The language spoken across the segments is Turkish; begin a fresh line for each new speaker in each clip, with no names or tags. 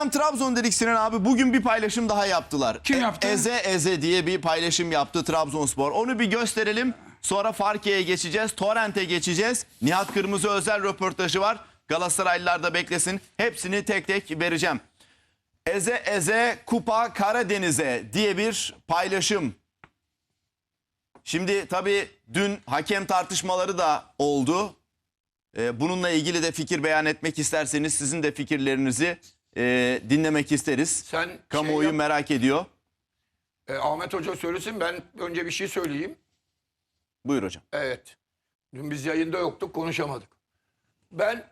Trabzon dedik Sinan abi. Bugün bir paylaşım daha yaptılar.
Kim yaptı?
Eze Eze diye bir paylaşım yaptı Trabzonspor. Onu bir gösterelim. Sonra Farke'ye geçeceğiz. Torrent'e geçeceğiz. Nihat Kırmızı özel röportajı var. Galatasaraylılar da beklesin. Hepsini tek tek vereceğim. Eze Eze Kupa Karadeniz'e diye bir paylaşım. Şimdi tabii dün hakem tartışmaları da oldu. Bununla ilgili de fikir beyan etmek isterseniz sizin de fikirlerinizi dinlemek isteriz.
Sen
Kamuoyu
yap,
merak ediyor.
Ahmet Hoca söylesin, ben önce bir şey söyleyeyim.
Buyur hocam.
Evet. Dün biz yayında yoktuk, konuşamadık. Ben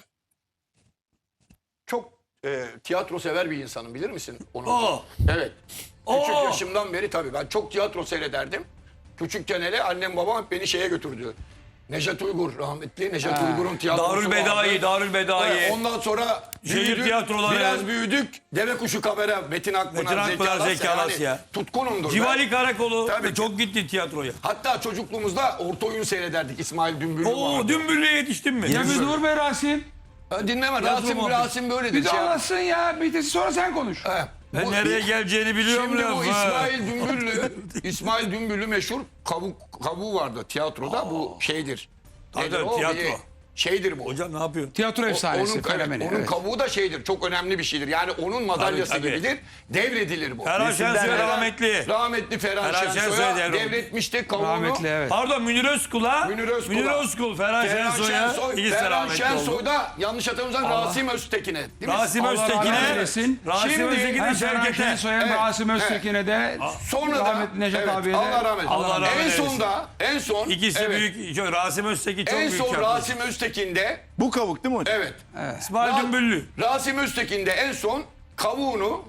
çok tiyatro sever bir insanım, bilir misin onu? Evet. Küçük yaşımdan beri tabii ben çok tiyatro seyrederdim. Küçükken hele annem babam hep beni şeye götürdü. Nejat Uygur, rahmetli Nejat Uygur'un tiyatrosu
Darül Bedai,
vardı.
Darül Bedai.
Evet, ondan sonra
Şehir
büyüdük,
tiyatroları.
biraz büyüdük. Deve Kuşu Kamera, Metin Akpınar, Zeki Alasya. Yani tutkunumdur.
Civali Karakolu.
Tabii.
Çok gitti tiyatroya.
Hatta çocukluğumuzda orta oyun seyrederdik. İsmail Dümbüllü vardı.
Oo, Dümbüllü'ye yetiştin mi?
Ya bir dur be Rasim.
Dinleme,
Yazdım
Rasim böyle
Bir
dedi.
de anlatsın ya. Bir de sonra sen konuş.
Ben nereye geleceğini biliyorum.
Şimdi bu
laf.
İsmail Dümbüllü meşhur kabuğu vardı tiyatroda. Bu şeydir.
Tabii,
Nedir o?
tiyatro.
Bir şeydir bu.
Hocam ne yapıyorsun?
Tiyatro efsanesi,
Onun,
fenomeni.
onun
Evet.
kabuğu da şeydir. Çok önemli bir şeydir. Yani onun madalyası
Tabii, tabii.
gibidir. Devredilir bu.
Ferhan Şensoy rahmetli.
Rahmetli Ferhan
Ferhan Şensoy
Şensoy'a
devrim.
devretmişti kabuğunu.
Rahmetli evet.
Pardon Münir Özkul'a.
Münir Özkul'a.
Ferhan Şensoy'a. İkisi de
Ferhan
rahmetli oldu.
Şensoy'da yanlış hatırlamıyorsam Rasim Öztekin'e. Değil mi?
Rasim
Allah rahmet
Öztekin'e.
eylesin.
Rasim
Şimdi
Öztekin'e
Hem Ferhan
Şevket'e.
Şensoy'a hem
Evet,
Rasim Öztekin'e de
Sonra da
rahmetli Nejat
evet,
abiye de
Allah rahmet
Allah rahmet
en
eylesin.
sonda en son
İkisi
evet,
büyük. Rasim Öztekin çok
en
büyük
son
tiyatrocu.
Rasim Öztekin'de
Bu kavuk değil mi hocam?
evet.
İsmail Dümbüllü.
Rasim Öztekin'de en son kavuğunu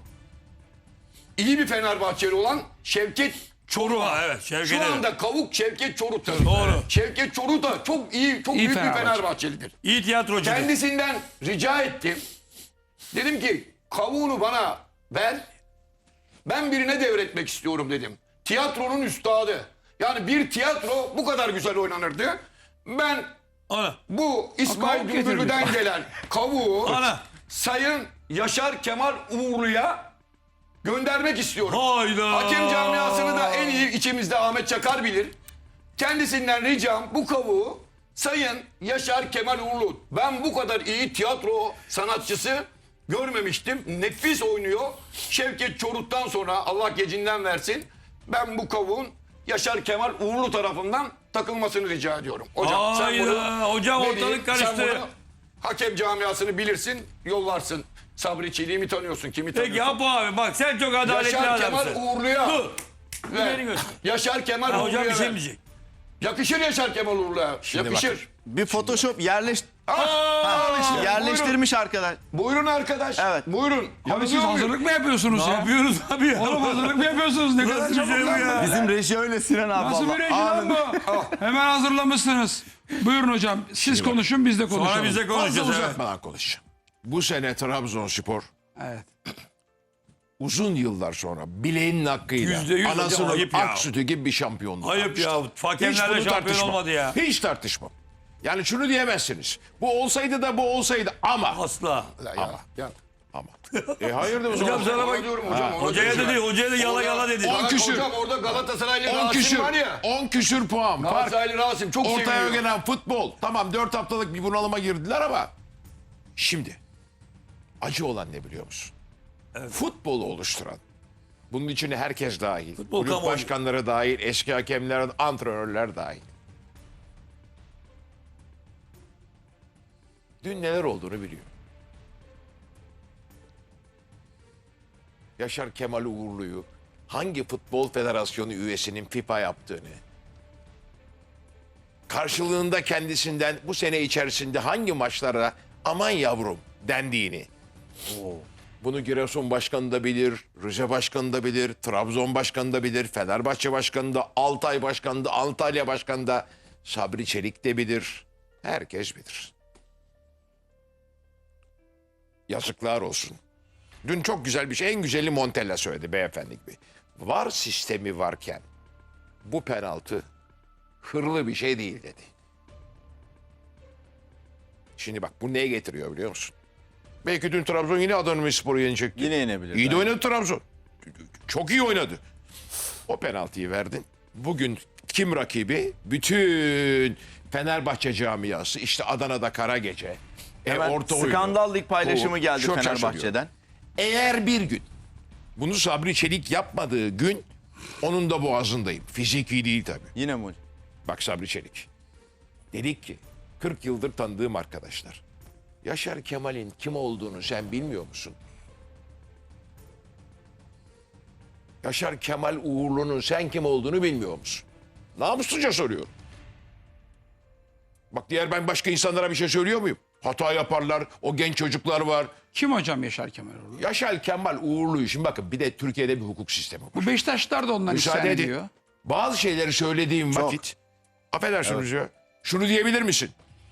iyi bir Fenerbahçeli olan Şevket
Çoruh'a evet.
şu
Şevket'e.
anda kavuk Şevket Çorut'tur.
Doğru.
Şevket Çorut da çok iyi, çok büyük bir
Fenerbahçe.
Fenerbahçelidir.
İyi tiyatrocu.
Kendisinden rica ettim. Dedim ki kavuğunu bana ver. Ben birine devretmek istiyorum dedim. Tiyatronun üstadı. Yani bir tiyatro bu kadar güzel oynanırdı. Ben
Ana.
bu İsmail
kavuk
Dümbüllü'den gelen kavuğu
Ana.
Sayın Yaşar Kemal Uğurlu'ya göndermek istiyorum.
Hayda.
Hakem camiasını da en iyi içimizde Ahmet Çakar bilir. Kendisinden ricam bu kavuğu Sayın Yaşar Kemal Uğurlu. Ben bu kadar iyi tiyatro sanatçısı görmemiştim. Nefis oynuyor. Şevket Çorut'tan sonra Allah gecinden versin. Ben bu kavuğun Yaşar Kemal Uğurlu tarafından takılmasını rica ediyorum. Hocam sen bunu
Hayda. Hocam
vereyim.
ortalık
Sen
karıştı.
bunu hakem camiasını bilirsin, yollarsın. Sabri Çelik'i tanıyorsun, kimi
Peki
tanıyorsun?
yap abi bak sen çok adaletli
Yaşar Kemal
adamsın.
Uğurlu'ya.
Dur.
ver.
Beni göster.
Yaşar Kemal
Ha,
Uğurlu'ya.
hocam bir şey
ver.
mi diyecek?
Yakışır Yaşar Kemal Uğurlu'ya. Yakışır.
Bir Photoshop
Al işte.
yerleştirmiş arkadaş.
Buyurun arkadaş.
Evet.
Buyurun.
Abi siz
Yanılıyor muyum?
hazırlık mı yapıyorsunuz
Ne
ya?
yapıyoruz abi ya?
Oğlum hazırlık mı yapıyorsunuz? Ne kadar
Nasıl bir
çabuk
şey bu
lan
ya?
bu.
Bizim reji öyle Sinan abi.
Nasıl bir
vallahi.
reji lan bu? Hemen hazırlamışsınız. Buyurun hocam. Siz konuşun biz de konuşalım.
Sonra biz de
Fazla
konuşacağız. evet.
uzatmadan konuşacağım. Bu sene Trabzonspor
Evet.
uzun yıllar sonra bileğinin hakkıyla
%100 hocam,
anasının
ayıp ya.
ak sütü gibi bir şampiyonluk
Ayıp
almıştı.
ya.
Hiç
Hakemlerle
bunu
şampiyon
tartışmam.
olmadı ya.
Hiç tartışmam. Yani şunu diyemezsiniz. Bu olsaydı da bu olsaydı ama.
Asla.
Ya.
Ama. Hayırdır o
Hocam
zaman?
sana bak.
Ona diyorum hocam. ona
Hocaya
diyorum.
dedi, hocaya da yala yala dedi.
On küsür.
Hocam orada Galatasaraylı
10
Rasim
küsür.
var ya.
10 küsür puan. Fark.
Galatasaraylı Rasim çok
Ortaya
seviyor.
gelen futbol. Tamam 4 haftalık bir bunalıma girdiler ama. Şimdi. Acı olan ne biliyor musun? Futbolu oluşturan. Bunun içine herkes dahil.
Futbol
Kulüp
kamuoyu.
başkanları dahil, eski hakemler, antrenörler dahil. Dün neler olduğunu biliyor. Yaşar Kemal Uğurlu'yu hangi futbol federasyonu üyesinin FIFA yaptığını, karşılığında kendisinden bu sene içerisinde hangi maçlara aman yavrum dendiğini, bunu Giresun Başkanı da bilir, Rize Başkanı da bilir, Trabzon Başkanı da bilir, Fenerbahçe Başkanı da, Altay Başkanı da, Antalya Başkanı da, Sabri Çelik de bilir. Herkes bilir. Yazıklar olsun. Dün çok güzel bir şey, en güzeli Montella söyledi beyefendi gibi. VAR sistemi varken bu penaltı hırlı bir şey değil dedi. Şimdi bak bu neye getiriyor biliyor musun? Belki dün Trabzon yine Adana Demirspor'u yenecekti.
Yine yenebilir.
İyi de
belki.
oynadı Trabzon. Çok iyi oynadı. O penaltıyı verdin. Bugün kim rakibi? Bütün Fenerbahçe camiası. İşte Adana'da kara gece.
Hemen
Orta oyunu.
skandal lig paylaşımı geldi
Çok
Fenerbahçe'den.
şaşırıyorum. Eğer bir gün bunu Sabri Çelik yapmadığı gün onun da boğazındayım. Fiziki değil tabii.
Yine mi hocam?
Bak Sabri Çelik. Dedik ki 40 yıldır tanıdığım arkadaşlar. Yaşar Kemal'in kim olduğunu sen bilmiyor musun? Yaşar Kemal Uğurlu'nun sen kim olduğunu bilmiyor musun? Namusluca soruyorum. Bak diğer ben başka insanlara bir şey söylüyor muyum? Hata yaparlar, o genç çocuklar var.
Kim hocam Yaşar Kemaloğlu?
Yaşar Kemal Uğurlu'yu şimdi bakın bir de Türkiye'de bir hukuk sistemi var.
Bu Beşiktaşlar da ondan
Müsaade
isyan
edin.
ediyor.
Bazı şeyleri söylediğim vakit affedersiniz ya. Şunu diyebilir misin?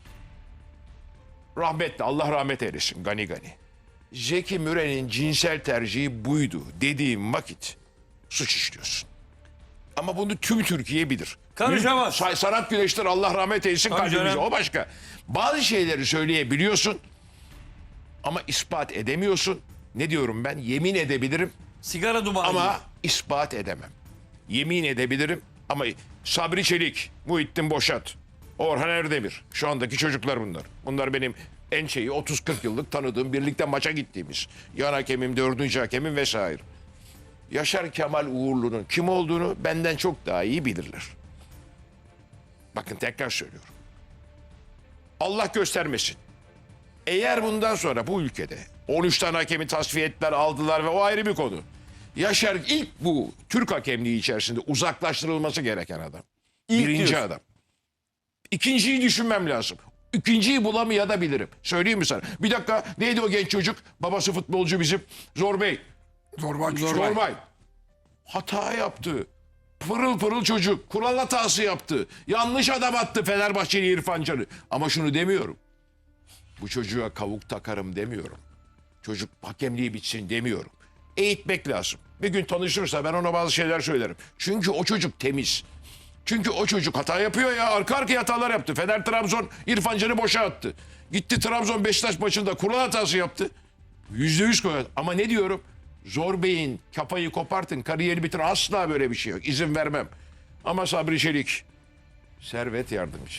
Rahmetli Allah rahmet eylesin Gani Gani. Zeki Müren'in cinsel tercihi buydu dediğim vakit suç işliyorsun. Ama bunu tüm Türkiye bilir.
Karışamaz.
Sanat güneştir Allah rahmet eylesin
Tabii
kalbimize.
canım.
O başka. Bazı şeyleri söyleyebiliyorsun ama ispat edemiyorsun. Ne diyorum ben? Yemin edebilirim
Sigara dumanı.
ama ispat edemem. Yemin edebilirim ama Sabri Çelik, Muhittin Boşat, Orhan Erdemir. Şu andaki çocuklar bunlar. Bunlar benim en şeyi 30-40 yıllık tanıdığım, birlikte maça gittiğimiz. Yan hakemim, 4. hakemim vesaire. Yaşar Kemal Uğurlu'nun kim olduğunu benden çok daha iyi bilirler. Bakın tekrar söylüyorum. Allah göstermesin. Eğer bundan sonra bu ülkede 13 tane hakemi tasfiye ettiler, aldılar ve o ayrı bir konu. Yaşar ilk bu Türk hakemliği içerisinde uzaklaştırılması gereken adam. Birinci
diyorsun.
adam. İkinciyi düşünmem lazım. İkinciyi bulamayabilirim. Söyleyeyim mi sana? Bir dakika neydi o genç çocuk? Babası futbolcu bizim. Zorbay. Zorbay. Hata yaptı. Pırıl pırıl çocuk. Kural hatası yaptı. Yanlış adam attı Fenerbahçeli İrfan Can'ı. Ama şunu demiyorum. Bu çocuğa kavuk takarım demiyorum. Çocuk hakemliği bitsin demiyorum. Eğitmek lazım. Bir gün tanışırsa ben ona bazı şeyler söylerim. Çünkü o çocuk temiz. Çünkü o çocuk hata yapıyor ya. Arka arkaya hatalar yaptı. Fener Trabzon İrfan Can'ı boşa attı. Gitti Trabzon Beşiktaş maçında kural hatası yaptı. %100 koyar. Ama ne diyorum? Zor Bey'in kafayı kopartın, kariyeri bitir. Asla böyle bir şey yok. İzin vermem. Ama Sabri Çelik, Servet Yardımcı,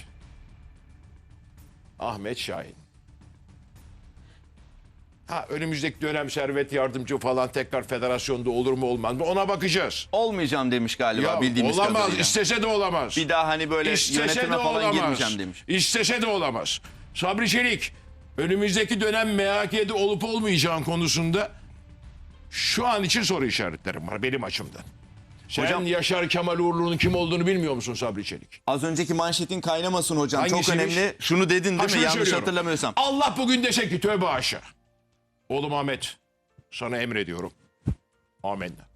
Ahmet Şahin. Ha önümüzdeki dönem Servet Yardımcı falan tekrar federasyonda olur mu olmaz mı? Ona bakacağız.
Olmayacağım demiş galiba
Ya,
bildiğimiz
olamaz,
kadarıyla.
istese de olamaz.
Bir daha hani böyle
İstese
yönetime
de
falan
olamaz.
girmeyeceğim demiş.
İstese de olamaz. Sabri Çelik, önümüzdeki dönem MHK'de olup olmayacağın konusunda şu an için soru işaretlerim var benim açımdan. Sen
Hocam-
Yaşar Kemal Uğurlu'nun kim olduğunu bilmiyor musun Sabri Çelik?
Az önceki manşetin kaynamasın hocam. Çok
Hangisiymiş?
önemli. Şunu dedin değil mi?
şunu
Yanlış
söylüyorum.
hatırlamıyorsam.
Allah bugün dese ki tövbe haşa. Oğlum Ahmet sana emrediyorum. Amenna.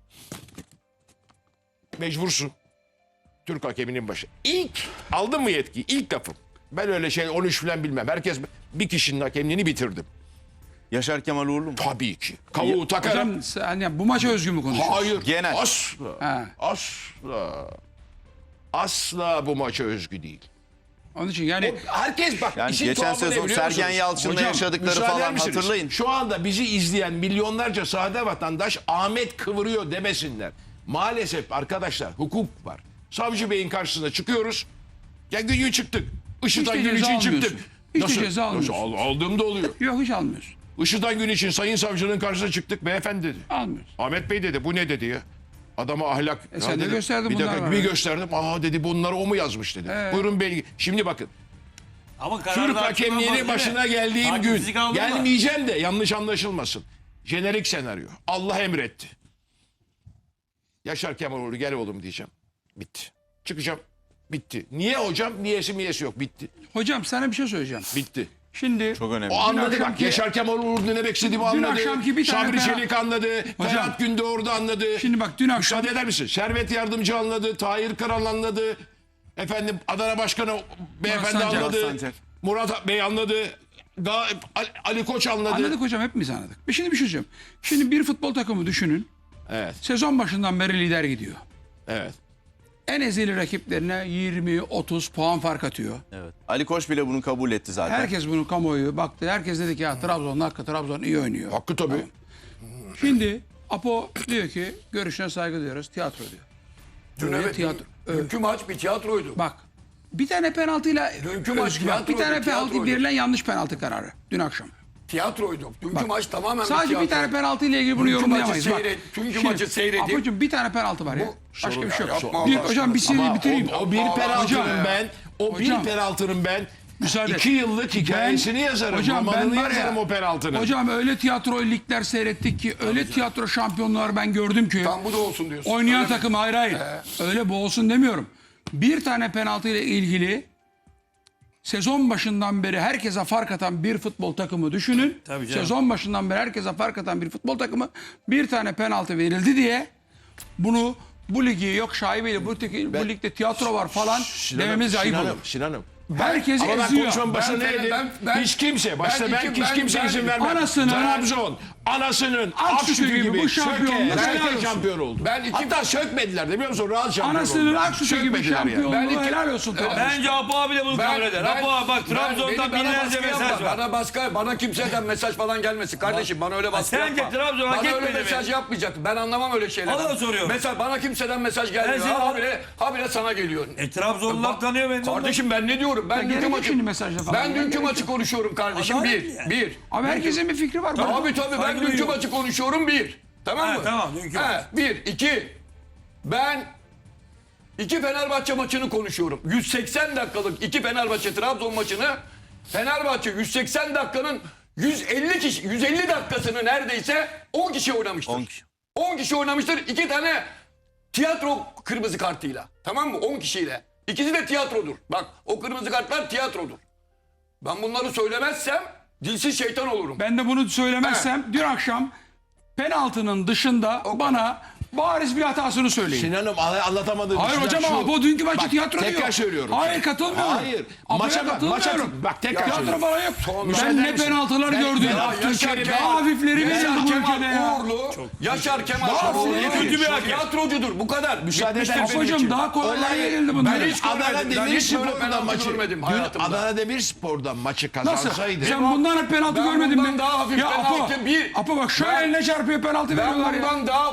Mecbursun. Türk hakeminin başı. İlk aldın mı yetki? İlk lafım. Ben öyle şey 13 falan bilmem. Herkes bir kişinin hakemliğini bitirdim.
Yaşar Kemal Uğurlu mu?
Tabii ki. Kavuğu takarım.
Hocam sen yani bu maça özgü mü konuşuyorsun?
Hayır.
Genel.
Asla.
Ha.
Asla. Asla bu maça özgü değil.
Onun için yani
Herkes bak.
Yani
işin
geçen
tuhafı ne
sezon
biliyor
Sergen
musunuz?
Yalçın'la
Hocam,
yaşadıkları
müsaade
falan
misiniz?
hatırlayın.
Şu anda bizi izleyen milyonlarca sade vatandaş Ahmet kıvırıyor demesinler. Maalesef arkadaşlar hukuk var. Savcı Bey'in karşısına çıkıyoruz. Ya gün çıktık. Işıtan
Hiç de
gün
ceza
için çıktık.
almıyorsun. Hiç de ceza almıyorsun.
Aldığım da oluyor.
yok hiç almıyorsun.
Işıtan gün için sayın savcının karşısına çıktık. Beyefendi dedi.
Almıyorsun.
Ahmet Bey dedi bu ne dedi ya. Adama ahlak.
sen
Ya
de
dedim,
gösterdin
bir
bunlar
dakika
var.
bir gösterdim. Aa dedi bunları o mu yazmış dedi. Buyurun belge. Şimdi bakın.
Ama
Türk
kararda
hakemliğinin
açıklanmaz,
başına
değil mi?
geldiğim
Hakim
gün
fizik aldı mı?
gelmeyeceğim de yanlış anlaşılmasın. Jenerik senaryo. Allah emretti. Yaşar Kemaloğlu gel oğlum diyeceğim. Bitti. Çıkacağım. Bitti. Niye hocam? Niyesi miyesi yok. Bitti.
Hocam sana bir şey söyleyeceğim.
Bitti.
Şimdi
Çok önemli.
O anladı bak.
akşamki-
Yaşar Kemaloğlu ne demek istediğimi
Dün
anladı.
akşamki bir tane
Sabri
daha-
Çelik anladı.
Hocam.
Ferhat Gündoğdu anladı.
Şimdi bak dün akşam
Müsaade eder misin? Servet Yardımcı anladı. Tahir Kıran anladı. Efendim Adana Başkanı beyefendi
Sancak.
anladı.
Murat Sancak.
Murat Bey anladı. Ali Koç anladı.
anladık hocam hepimiz anladık. Şimdi bir şey söyleyeceğim. Şimdi bir futbol takımı düşünün.
Evet.
Sezon başından beri lider gidiyor.
Evet.
en ezeli rakiplerine 20-30 puan fark atıyor.
Evet. Ali Koç bile bunu kabul etti zaten.
Herkes bunu kamuoyu baktı. Herkes dedi ki ya Trabzon iyi oynuyor.
Hakkı tabii.
Şimdi Apo diyor ki görüşüne saygı duyuyoruz. Tiyatro diyor.
Dün
Böyle
evet,
tiyatro.
dünkü maç bir tiyatroydu.
Bak bir tane penaltıyla
Dünkü maç
bak, bir
tiyatroydu,
tane penaltı
tiyatroydu.
verilen yanlış penaltı kararı dün akşam.
Tiyatroydu. Dünkü maç tamamen
Sadece
tiyatro.
bir tane penaltı ile ilgili bunu
Dünkü
yorumlayamayız.
maçı
Bak.
dünkü
Şimdi,
maçı seyredip-
Apocuğum bir tane penaltı var ya. Başka bir şey yok.
Yapma
Bir,
Allah
hocam bir
aşkına.
seri bitireyim.
O bir penaltının ben, o bir
Hocam.
penaltının ben
Müsaade.
2 yıllık hikayesini yazarım.
Hocam ben
Romanını
var ya,
yazarım o penaltının.
hocam öyle tiyatro ligler seyrettik ki, öyle tiyatro şampiyonlar ben gördüm ki.
Tam bu da olsun diyorsun.
Oynayan
Öyle mi?
takım hayır. Öyle bu olsun demiyorum. Bir tane penaltı ile ilgili sezon başından beri herkese fark atan bir futbol takımı düşünün.
Tabii canım.
Sezon başından beri herkese fark atan bir futbol takımı bir tane penaltı verildi diye bunu bu ligi yok şaibeyle bu ligde tiyatro var falan dememiz ayıp olur.
Sinan'ım.
Herkes
Ama ben
eziyor.
konuşmanın başında
Ben-
ne dedim?
ben-
Hiç kimse, başta
ben-
ben, hiç kimse
ben-
izin vermem.
Anasının-
Trabzon, ananasının
Ak sütü
sütü
gibi
gibi
bu şampiyonluk helal
söke
olsun.
şampiyon oldu.
Ben iki-
Hatta sökmediler de biliyor musun? Rahat şampiyon
Anasının
oldu.
ak sütü gibi
Sökmediler yani.
şampiyonluğu
Ben iki-
helal olsun. Trabzon.
Bence Apo abi de bunu kabul eder. Apo abi bak Trabzon'dan
bana
binlerce
baskı
mesaj
yapma.
var.
Bana kimseden mesaj falan gelmesin kardeşim. Bana öyle baskı
sence
yapma.
Trabzon hak
Bana öyle
etmedi mi?
mesaj yapmayacaksın. Ben anlamam öyle şeyler.
Bana da soruyorum.
Mesela bana kimseden mesaj gelmiyor.
Ben seni-
Habire sana geliyor.
Trabzonlular tanıyor beni.
Kardeşim ben ne diyorum? Ben
gerek
dünkü
yok
maçı
şimdi mesajla falan.
Ben
Ya,
dünkü
gerek
maçı konuşuyorum kardeşim.
Adalet
Bir.
yani.
Bir.
Abi herkesin bir fikri var.
Tabii ben
Saygı
dünkü
duyuyorum.
maçı konuşuyorum bir. Tamam
Ha,
mı?
tamam, dünkü maç.
Bir. İki. Ben iki Fenerbahçe maçını konuşuyorum. 180 dakikalık iki Fenerbahçe Trabzon maçını Fenerbahçe 180 dakikanın 150 dakikasını neredeyse 10 kişi oynamıştır.
10 kişi.
10 kişi oynamıştır. 2 tane tiyatro kırmızı kartıyla. Tamam mı? 10 kişiyle. İkisi de tiyatrodur. Bak o kırmızı kartlar tiyatrodur. Ben bunları söylemezsem dilsiz şeytan olurum.
Ben de bunu söylemezsem dün akşam penaltının dışında bana bariz bir hatasını söyleyin.
Sinan'ım anlatamadığım
Hayır
şeyler
hocam
şu.
ama bu dünkü maçı
Bak,
tiyatro diyor.
tekrar söylüyorum.
Hayır katılmıyorum.
Hayır.
Apo'ya
Maça bak,
katılmıyorum.
bak, tekrar
Tiyatro
söylüyorum.
falan yok.
müsaade
Ben ne
eder misin?
penaltılar
Ben-
gördüm.
ben-
Yaşar
Daha hafifleri verildi
Yaşar
bu ülkede
Kemal
ya.
Uğurlu, Yaşar Kemal
Daha
Uğurlu
hafifleri
kötü bir hakem.
tiyatrocudur. Bu kadar.
Müsaade
Bitmiştir
eder
benim
misin?
için.
Hocam daha kolaylar
Olay-
verildi bunlar.
Ben hiç görmedim.
Adana
Ben hiç böyle
Demirspor'dan
penaltı
maçı.
görmedim
Dün
hayatımda.
Adana Demirspor'dan maçı
Nasıl?
kazansaydı.
Sen bundan hep penaltı
Ben
görmedin
bundan
mi?
daha hafif
Ya Apo,
penaltı bir-
Apo bak şöyle
Ben-
eline çarpıyor penaltı
Ben
veriyorlar ya.
bundan daha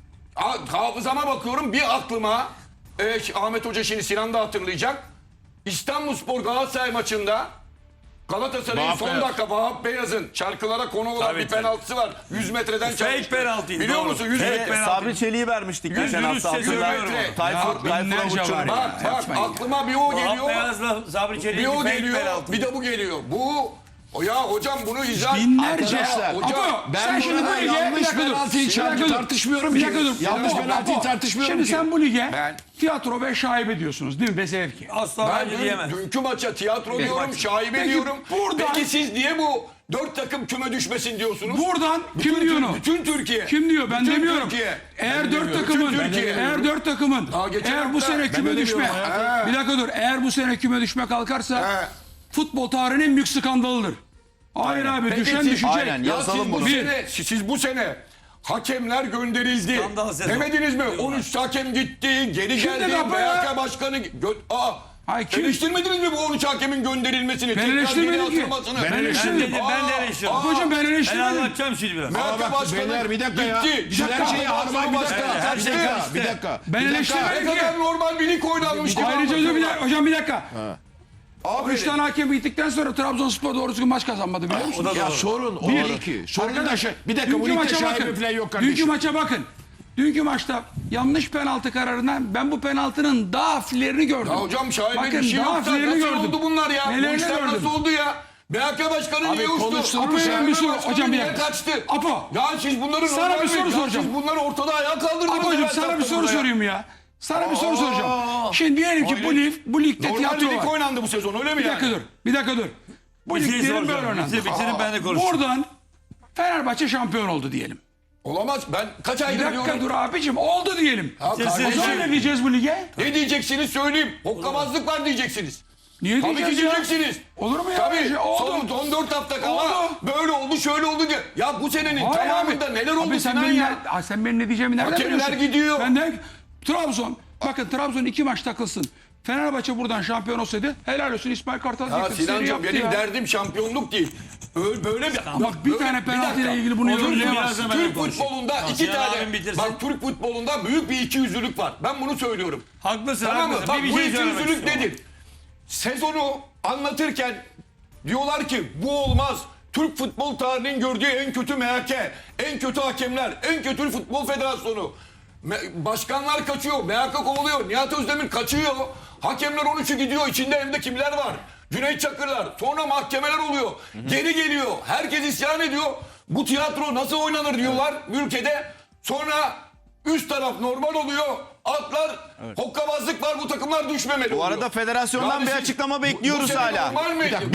hafızama bakıyorum bir aklıma Ahmet Hoca şimdi Sinan da hatırlayacak. İstanbulspor Galatasaray maçında Galatasaray'ın
Vahap
son
Beyaz.
dakika Vahap Beyaz'ın çarkılara konu olan
Tabii,
bir penaltısı var. 100 metreden
Fake
çarpmıştı.
penaltıydı,
Biliyor
doğru.
musun? 100
Fake
metre.
penaltı.
Sabri Çelik'i vermiştik geçen
Yüz
hafta.
yüz söylüyorum
Hatırlar.
onu.
Tayfur
binlerce
Avutçu'nun.
var ya.
Bak
Yapmayın ya.
aklıma bir o
Vahap
geliyor.
Beyaz'la Sabri
Bir
Çelik'in
o
fake
geliyor.
penaltı.
Bir de bu geliyor. Ya hocam bunu izah...
Binlerce.
Arkadaşlar, hocam,
Apo
ben
sen şimdi bu
burada
lige
yanlış
bir dakika dur.
penaltıyı
Bir dakika dur.
tartışmıyorum
Bir
ki.
dakika dur.
Yanlış
Apo,
penaltıyı
Apo,
tartışmıyorum
Şimdi
ki.
sen bu lige
Ben-
tiyatro ve şaibe diyorsunuz değil mi? Besevki.
Asla
Ben
bence diyemez.
dünkü maça tiyatro diyorum,
maç.
şaibe
Peki,
diyorum.
buradan-
Peki siz niye bu 4 takım küme düşmesin diyorsunuz?
Buradan kim diyor onu?
Bütün Türkiye.
Kim diyor? Ben
Bütün
demiyorum.
Türkiye.
Eğer dört
Bütün
takımın,
Türkiye. geçen
eğer bu
hafta-
sene küme
öyle
düşme,
diyorum
bir dakika dur, eğer bu sene küme düşme kalkarsa futbol tarihinin en büyük skandalıdır. Hayır abi,
Peki
düşen
siz-
düşecek.
Aynen,
Ya
yazalım
siz bu
bunu.
sene, siz bu sene hakemler gönderildi.
Skandal sezon.
Demediniz mi? 13 hakem gitti, geri
Kim
geldi.
dedi Apo ya?
BHK başkanı...
Hayır, kim?
Eleştirmediniz mi bu 13 hakemin gönderilmesini? tekrar
eleştirmedim
geri
ki.
atılmasını?
Ben
Ben
eleştirmedim.
de eleştiriyorum.
Hocam ben
Ben
eleştirmedim.
anlatacağım şimdi biraz.
BHK
bak,
başkanı
beyler, bir dakika ya.
gitti.
Biz her şeyi
Başkanı
bir dakika,
kaçtı.
bir dakika.
Ben
Ne
eleştirmedim ki.
kadar normal bir lig oynanmıştı.
Ayrıca özür dilerim. Hocam bir dakika. 3 tane hakem gittikten sonra Trabzonspor doğru düzgün maç kazanmadı biliyor musun?
O da
Ya
doğru.
sorun o değil ki. Sorun da şey. Bir dakika bu
Dünkü
ligde
maça
şaibe
bakın.
falan yok kardeşim.
Dünkü maça bakın. Dünkü maçta yanlış penaltı kararından ben bu penaltının daha hafiflerini gördüm.
Ya hocam şaibe
Bakın,
bir şey
daha
yok da
hafiflerini
nasıl
gördüm.
oldu bunlar ya? Bu
Nelerini
işler
gördüm?
nasıl oldu ya? BHK başkanı niye uçtu?
konuştuğumuz
Apo
şey-
Şahin
bir soru-
başkanı
hocam bir
niye
dakika.
kaçtı?
Apo.
Ya siz bunları
Sana
normal
bir soru
mi? Ya
soracağım.
Siz bunları ortada ayağa kaldırdınız.
Apocuğum
ben
sana bir
taktım
soru
buraya.
sorayım ya. Sana bir soru soracağım. Şimdi diyelim ki bu ligde
Normal
tiyatro
lig
var.
oynandı bu sezon öyle mi
Bir
yani?
dakika dur. Bir dakika dur. Bu
Bir şey
liglerin böyle
soracağım.
oynandı.
Bitirin ben de konuşayım.
Buradan Fenerbahçe şampiyon oldu diyelim.
Olamaz. Ben kaç
Bir
aydır
dakika
diyorum.
dur abicim oldu diyelim.
Ya
Siz-
O
kardeşim,
zaman ne diyeceğiz bu lige?
ne diyeceksiniz söyleyeyim. Hokkabazlık var diyeceksiniz.
Niye
Tabii ki
diyeceğiz ya?
diyeceksiniz.
Olur mu ya?
Tabii.
Şey, oldu.
Son 4 hafta kala
Oldu.
böyle oldu şöyle oldu diye. Ya bu senenin
Hayır
tamamında neler oldu
Abi sen
Sinan
benim,
ya?
sen benim ne diyeceğimi nereden
Hakemler
biliyorsun?
gidiyor.
Ben de Trabzon Bakın Trabzon 2 maç takılsın. Fenerbahçe buradan şampiyon olsaydı helal olsun İsmail Kartal
Ya
diyecektim. Seri
Sinancığım
yaptı
benim
ya.
derdim şampiyonluk değil. Böyle bir...
Bak bir tane penaltı ile ilgili bunu
Olur,
yorumlayamazsın.
biraz da ben
Türk
konuşayım.
futbolunda
Tamam,
iki
Sinan
tane...
abim bitirsin.
Bak Türk futbolunda büyük bir ikiyüzlülük var. Ben bunu söylüyorum.
Haklısın,
Tamam mı?
haklısın.
Bak
Bir
bu
şey söylemek
ikiyüzlülük
istiyorum.
nedir? Sezonu anlatırken diyorlar ki bu olmaz. Türk futbol tarihinin gördüğü en kötü MHK, en kötü hakemler, en kötü futbol federasyonu. Başkanlar kaçıyor, MHK kovuluyor, Nihat Özdemir kaçıyor. Hakemler 13'ü gidiyor, içinde hem de kimler var? Cüneyt Çakırlar, sonra mahkemeler oluyor. Geri geliyor, herkes isyan ediyor. Bu tiyatro nasıl oynanır diyorlar ülkede. Sonra üst taraf normal oluyor. Altlar hokkabazlık var, bu takımlar düşmemeli
Bu
oluyor.
arada federasyondan
Yani
bir
siz-
açıklama
bu
bekliyoruz
sene
hala.
normal mi?